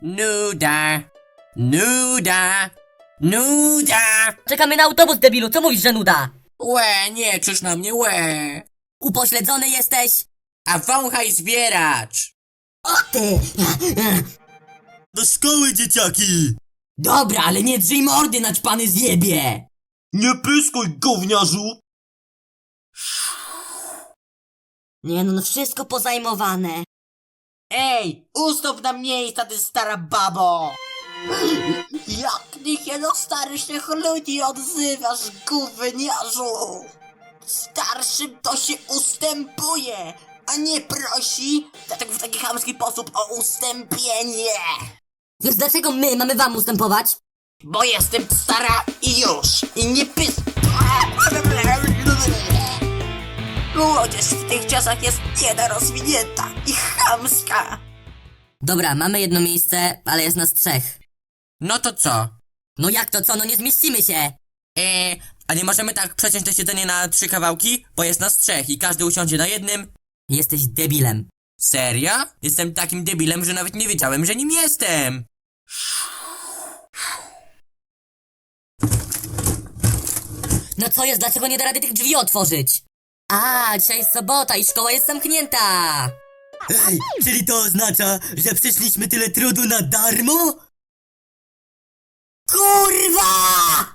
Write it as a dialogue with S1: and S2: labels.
S1: Nuda. Nuda. Nuda.
S2: Czekamy na autobus, debilu, co mówisz, że nuda?
S1: Łe, nie krzyż na mnie, łe.
S2: Upośledzony jesteś?
S1: A wąchaj zbieracz.
S2: O ty!
S3: Do szkoły, dzieciaki!
S2: Dobra, ale nie drzyj mordy, naćpany zjebie!
S3: Nie pyskuj, gówniarzu!
S2: Nie no, wszystko pozajmowane.
S1: Ej, ustąp na miejsca, ty stara babo. Jak ty się do starszych ludzi odzywasz, gówniarzu? Starszym to się ustępuje, a nie prosi, dlatego w taki chamski sposób o ustąpienie.
S2: Więc dlaczego my mamy wam ustępować?
S1: Bo jestem stara i już. I nie pys... Młodzież w tych czasach jest niedorozwinięta i chamska.
S2: Dobra, mamy jedno miejsce, ale jest nas 3.
S1: No to co?
S2: No jak to co, no nie zmieścimy się!
S1: A nie możemy tak przeciąć to siedzenie na 3 kawałki? Bo jest nas 3 i każdy usiądzie na jednym.
S2: Jesteś debilem.
S1: Serio? Jestem takim debilem, że nawet nie wiedziałem, że nim jestem.
S2: No co jest, dlaczego nie da rady tych drzwi otworzyć? A, dzisiaj jest sobota i szkoła jest zamknięta!
S3: Ej, czyli to oznacza, że przeszliśmy tyle trudu na darmo?
S2: Kurwa!